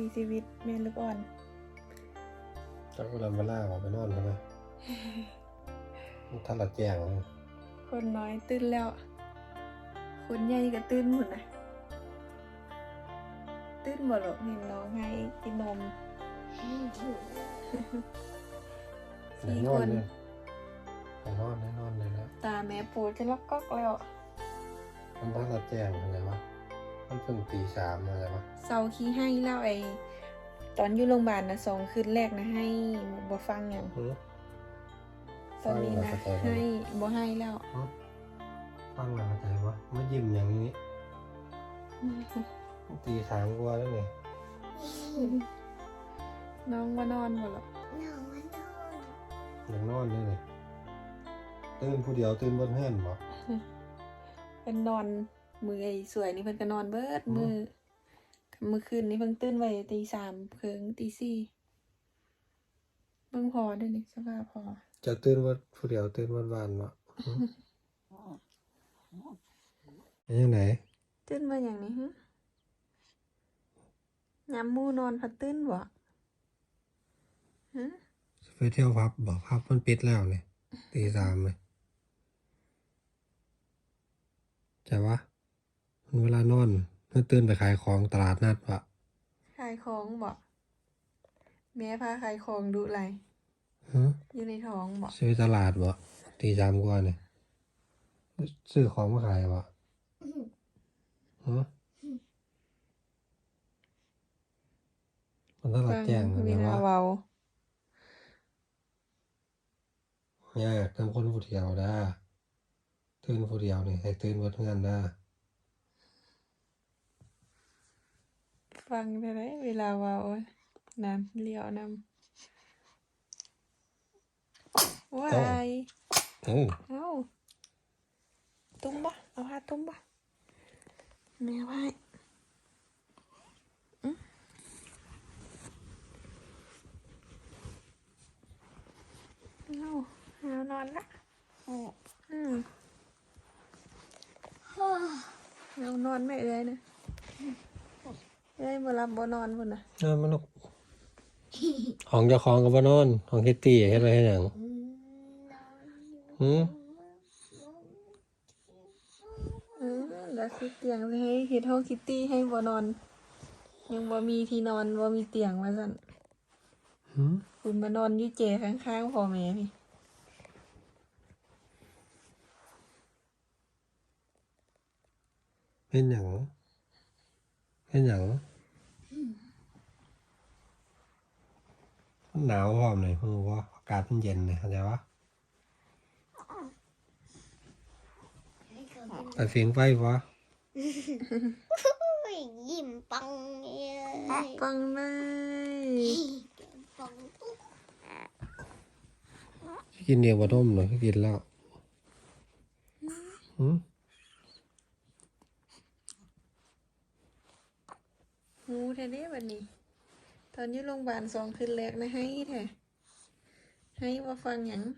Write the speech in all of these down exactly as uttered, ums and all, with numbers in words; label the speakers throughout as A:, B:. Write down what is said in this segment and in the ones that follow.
A: ชีวิตแม่ลูกอ่อน
B: จักเวลาเวลาออกไปนอนใช่ไหมถ้าเราแจ้ง
A: คนน้อยตื่นแล้ว คนใหญ่ก็ตื่นหมดนะตื่นหมดหรอกเห็นน้องให้กินนม
B: สี่คนไปนอนแน่นอนเลยนะ
A: ตาแม่ปูจะล็อกก๊อกแล้ว
B: มันถ้าเราแจ้งอะไรวะมันเพิ่งตีสามอะไรวะ
A: เซาขี้ให้แล้วไอ้ตอนอยู่โรงพยาบาลนะสองคืนแรกนะให้บ่ฟังอย่างตอนนี้นะให้บ่ให้แล้ว
B: ฟังอะไรใจวะไม่ยิ้มอย่างนี้ตีสามกว่าแล้วไง
A: น้องว่านอนหมดหรอ
C: น้องว่านอน
B: ยังนอนเลยเลยตื่นผู้เดียวตื่นบนเฮือนบ่
A: เป็นนอนมือไอ้สวยนี่เพิ่นก็นอนเบิดมือเมื่อคืนนี้เพิ่งตื่นไว้ตีสามเพิ่งตีสี่เบิ่งพอด้วยนี่สภาพพอ
B: จะตื่นว่าผู้เดียวตื่นวันวานบ่ยังไง
A: ตื่นมาอย่างนี้ฮะยามมูนอนพัดตื่นบ่ฮะ
B: ไปเที่ยวพับบ่พับมันปิดแล้วเนี่ยตีสามเลยใช่ปะเวลานอนเมื่อตื่นไปขายของตลาดนัดวะ
A: ขายของบ่แม่พาขายของดูไรอยู่ในท้องบ่
B: ซื้อตลาดบ่ตีสามกว่าเนี่ยซื้อของมาขายบ่ฮะมันตลาดแจ้ง
A: เวลาเว้
B: ายากทำคนผู้เดียวได้ตื่นผู้เดียวนี่ให้ตื่นวัดงานได้
A: ฟังได้ไหมเวลาเว้าน้ำเลี้ยวน้ำว้าย
B: เอ้า
A: เอ้าตุ้มบ่เอาผ้าตุ้มบ่แม่ไว้เอาเอานอนละอืมเอานอนไม่เอ้ยนะเอ้ยบ่รับบ่นอนพุ่นน่ะ
B: เออมันของเจ้าของกับบ่นอนของคิตตี้เฮ็ดไว้เฮ็ดหยังหือ
A: เออแล้วคือเตียงให้เฮ็ดห้องคิตตี้ให้บ่นอนยังบ่มีที่นอนบ่มีเตียงว่าซั่น
B: หือ
A: คุณมานอนอยู่เจข้างๆพ่อแม่พี่
B: เป็นหยังเป็นหยังมันหนาวพร้อมเลยคือว่าอากาศมันเย็นเลยเข้าใจปะแต่เสียงไฟวะ
C: ยิ้มปัง
A: เลยปังเลย
C: ปังปุ๊บ
B: กินเดียวกว่าต้มเลยกินแล้วหืม
A: งูแท้เด้บัดนี้ตอนอยู่โรงพยาบาลสองคืนแรกนะให้แท้ให้ว่าฟังหยัง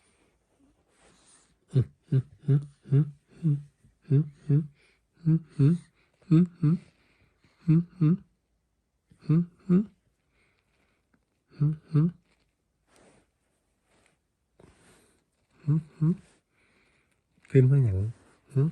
B: หืมหืมหืมหืมหืมหืมหืมหืมหืมหืมหืมหืมหืมหืมหืมหืมหืมหืมหืมขึ้นมาอย่างหืม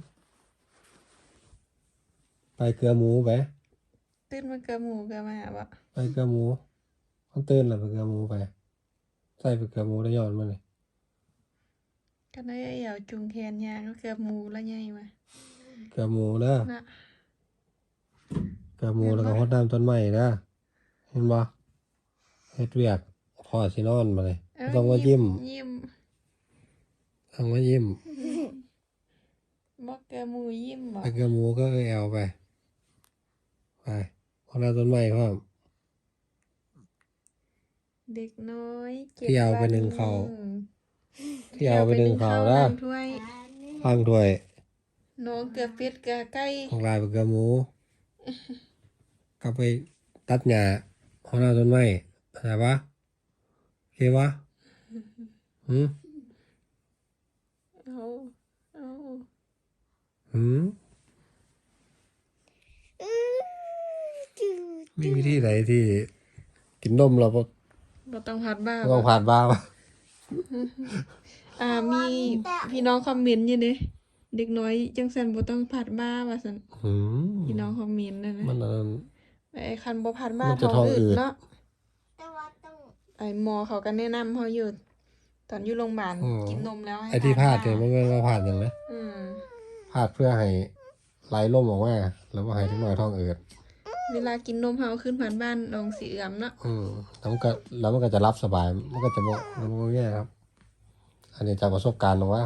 B: ไปเกลือหมูไป
A: ตื่นมาเกลือหมูเกลือมาบ่
B: ไปเกลือหมูต้องตื่นแล้วไปเกลือหมูไปใส่ไปเกลือหมูได้ยอดมาเลย
A: ก็ได้เหยาจุงแขนยางก็เกลือหมูแล้วใหญ่มา
B: เกลือหมูเด้อเกลือหมูแล้วก็ฮดน้ำต้นไม้เด้อเห็นบ่เฮ็ดเวียกพอสินอนมาเลยต้องว่ายิ้ม
A: ยิ้ม
B: ต้องว่ายิ้ม
A: บ่เกลือหมูยิ้มบ่
B: ไปเกลือหมูก็แอวไปไปฮดน้ำต้นไม้พร้อม
A: เด็กน้อย
B: ที่เอาไปหนึ่งเขาที่เอาไปหนึ่งเขาแล้วฟังด้วย
A: น้องเกลือเป็ดเกลือไก่
B: ของลายไปเกลือหมูก็ไปตัดหญ้าฮดน้ำต้นไม้เข้าใจปะโอเควะหืม
A: เอาเอา
B: หืม
C: จืด
B: มีวิธีไหนที่กินนมเราบ่
A: บ่ต้องพัดบ้า
B: ต้องผ่านบ้างวะ
A: อ่ามีพี่น้องคอมเมนต์อยู่เด้เด็กน้อยจังซั่นบ่ต้องพัดบ้าว่าซั่น
B: หืม
A: พี่น้องคอมเมนต์นั่นนะ
B: มันอันนั้น
A: ไอ้คันบ่พัดบ้า
B: มันจะ
A: ท้อง
B: ท้องอื
A: อื
B: ด
A: ดเนาะ
C: แต่ว่าต้อง
A: ไอ้หมอเขาก็แนะนำเฮาอยู่ตอนอยู่โรงพยาบาล
B: อืม
A: กินนมแล้วให้
B: ไอ้ที่พลาด
A: บ้
B: เนี่ยมันเป็นว่าพลาดอย่างไร
A: อืม
B: พลาดเพื่อให้ไหลล่มออกมาแล้วว่าให้ทุกหน่อยท้องอืด
A: เวลากินนมเฮาขึ้นผ่านบ้านลองสิเอือมเนาะ
B: อืมแล้วมันก็แล้วมันก็จะรับสบาย มันก็จะบ่มันบ่แย่ครับ อันนี้จากประสบการณ์หรอกว่า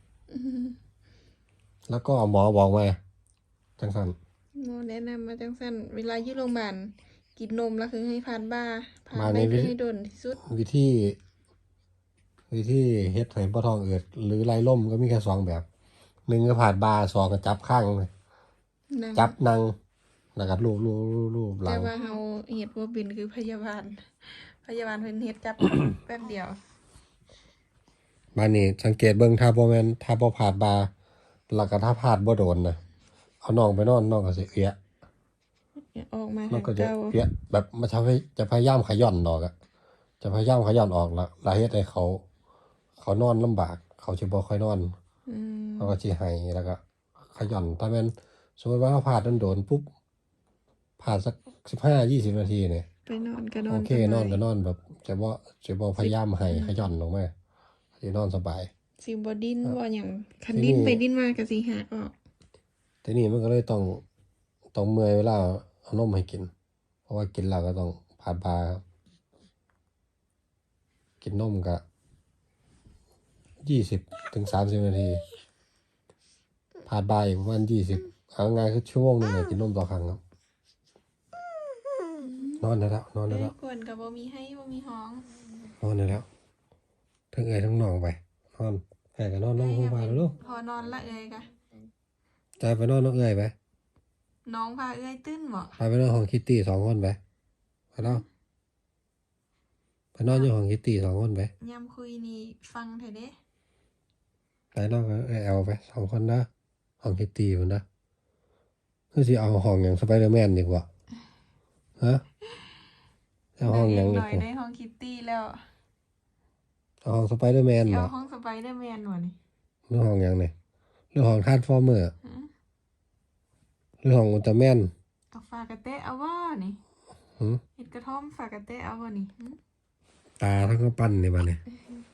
B: แล้วก็หมอบอกมาจังสัน
A: หมอแนะนำมาจังซั่นเวลาอยู่โรงพยาบาลกินนมแล้วคือให้ผ่านบ้าผ่านได้คือให้โดนที่สุด
B: วิธี วิธีเฮ็ดให้บ่ท้องอืดหรือไหลล่มก็มีแค่สองแบบหนึ่งก็ผ่านบาสองก็จับข้างเลย
A: นั่ง
B: จับนั่งแล้วก็ลูบลูบลูบลูบหลั
A: แต่
B: ง
A: ว่าเฮาเฮ็ดบ่เป็นคือพยาบาล พยาบาลเพิ่นเฮ็ดจับ แป๊บเดียว
B: บ้านนี้สังเกตเบิ่งถ้าบ่แม่นถ้าบ่ผ่านบาแล้วก็ถ้าผ่านบ่โดนนะเอาน้องไปนอนน้องก็สิเอื้อ
A: ออกมา
B: น้อ
A: ทาง ง
B: ก็จะ
A: เก่า
B: เอื้อแบบมันจะพยจะพยายามขย่อนออกอะจะพยายามขย่อนออกแล้วแล้วเฮ็ดให้เขา เขานอนลำบาก เขาสิบ่ค่อยนอน
A: อืม
B: เขาก็สิให้แล้วก็ขย่อนถ้าแม่นสมมุติว่าเราผ่านโดนๆปุ๊บผ่านสักสิบห้ายี่สิบนาทีเนี่ย
A: ไปนอนก็นอน
B: โอเค
A: สบาย
B: นอนก็นอนแบบจะบ่จะบ่พยายามให้ขย่อนลงมาสินอนสบาย
A: สิบ่ดิ้นบ่หยังคัน
B: ทีนี้
A: ดิ้นไปดิ้นมาก็สิหักออก
B: ทีนี้มันก็เลยต้องต้องเมื่อยเวลาเอานมให้กิน เพราะว่ากินแล้วก็ต้องผ่านบาครับกินนมก็ยี่สิบถึงสามสิบนาทีผ่านบาอีกประมาณยี่สิบเอาง่ายๆคือชั่วโมงหนึงเนี่ยกินนมต่อครั้งครับ นอนได้แล้วนอนได้
A: เอ้
B: แล้
A: ยว กวนก็บ่มีให้บ่มีห้อง
B: นอนได้แล้วทั้งเอ่ยทั้งหนองไปนอนแอ่ก็นอนลงห้องพาแล้วลูก
A: พอนอนละเอ้ยกะ
B: ใจไปนอนน้องเอ่ยไป
A: น้องพาเอ้ยตื้นบ่
B: พาไปนอนห้องคิตตี้สองคนไปไปแล้วไปนอนอยู่ห้องคิตตี้สองคนไป
A: ยามคุยนี่ฟังเถอะเด้
B: ไปนอนกับเอ่ยเอาไปสองคนนะห้องคิตตี้พุ่นนะคือสิเอาห้องอย่างสไปเดอร์แมนดีกว่าฮะเอาห้องอย่าง
A: ห
B: ดี
A: น่อย
B: กว่า
A: ได้ห้องคิตตี้แล้ว
B: เอาห้องสไปเดอร์แมน
A: สิ
B: เหร
A: เอา
B: อ
A: ห้องสไปเดอร์แมนบ่นี่
B: หรือห้องอย่างไหนหรือห้องทรานส์ฟอร์เมอร์
A: ฮะ
B: หรือห้องอุลตร้าแมน
A: เอาฝากระเตะเอาบ่นี่
B: หืม
A: เฮ็ดกระท่อมฝากระเตะเอาบ่นี่หึ
B: ตาทั้งก็ปั้นนี่บัดนี้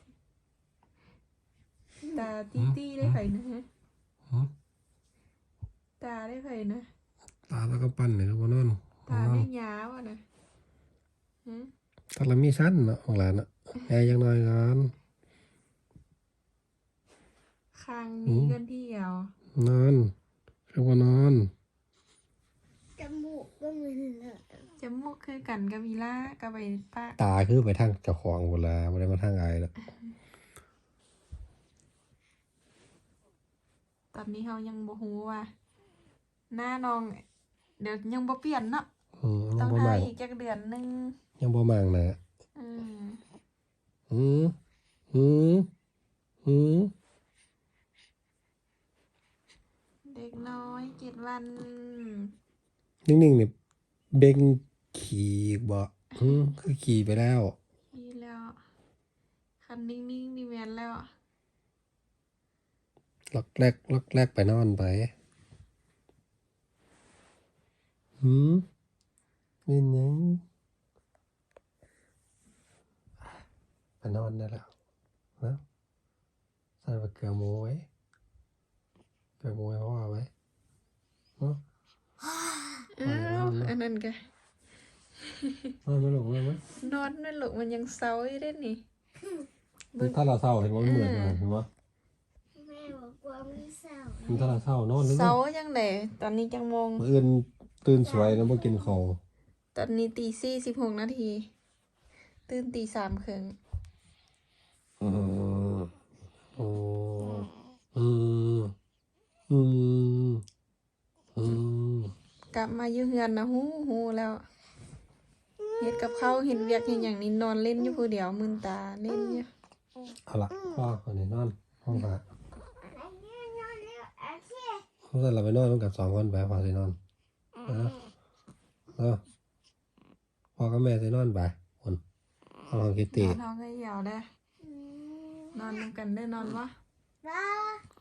A: ตาตี้ตี้ได้ไผนะฮะ
B: หืม
A: ตาได้ไผนะ
B: ตาแล้วก็ปั้นนี่ก็บ่นอน
A: ตาได้ยาวอ่ะนะหึ
B: ถ้าเรามีสั้นเนาะของหลานเนาะแอร์ยังน้อยก่อน
A: คางนี้กันที่เดียวน
B: อนคือว่านอน
C: จมูกก็เหมือนเลย
A: จมูกคือกันกับมีล่ากับไปปาก
B: ตาคือไปทางเจ้าของหมดแล้วบ่ได้มาทางอายแล้ว
A: ตอนนี้เฮายังบ่ฮู้ว่าหน้าน้อง เดี๋ยวยังบ่เปลี่ยนเนาะ
B: อืม
A: ต้
B: ยั
A: อง ง
B: บ่
A: ทา
B: มั่ง
A: อีกจักเดือนหนึง
B: ยังบ่มั่งนะ
A: อืม
B: หืมหืมหืม
A: เด็กน้อยเจ็ดวัน
B: นิ่งๆนี่เบ่งขี่บ่หืมคือขี่ไปแล้ว
A: นี่แล้ว คันนิ่งๆนี่แม่นแล้ว
B: ล็อกแรกล็อกแรกไปนอนไปหืมเป็นหยังไปนอนได้แล้วนะใส่ไปเกลือหมูไว้เกลือหมูไว้พ่อไว้เนาะ
A: อ้าวอันนั้นก็
B: นอนไม่หลงเลยไหม
A: นอนนั่นลูกมันยังเซาอยู่เด้นี่
B: ถ้าเราเศร้าเห็นว่ามันเหมือนกันเห็นว่า
C: แม่บอกว่าไม่เศร้า
B: ถ้าเราเศร้านอนนึก
A: เซาจังได๋ตอนนี้จังโมง
B: มื่ออื่นตื่นสวยแล้วมากินข้าว
A: ตอนนี้ตีสี่สิบหกนาที ตื่นตีสามครึ่ง
B: อืมโอ้อืมอืมอืม
A: กลับมาอยู่เฮือนนะฮู้ฮู้แล้วเฮ็ดกับข้าวเห็นเวียกเห็นอย่างนี้นอนเล่นอยู่ผู้เดียวมึนตาเล่นอยู่
B: เอาละพ่อคนนี้นอนห้องพระ
C: อันนี้นอนแล้วอันที่
B: เขาจะเราไปนอนร่วมกับสองคนไปพอสินอนเออเออพ่อกับแม่จะนอนไปคนห้องคิต
A: น
B: ตี้
A: อนท้องก็เหี่ยวได้
C: อืม
A: นอนนำกันได้นอนวะ
C: บ้า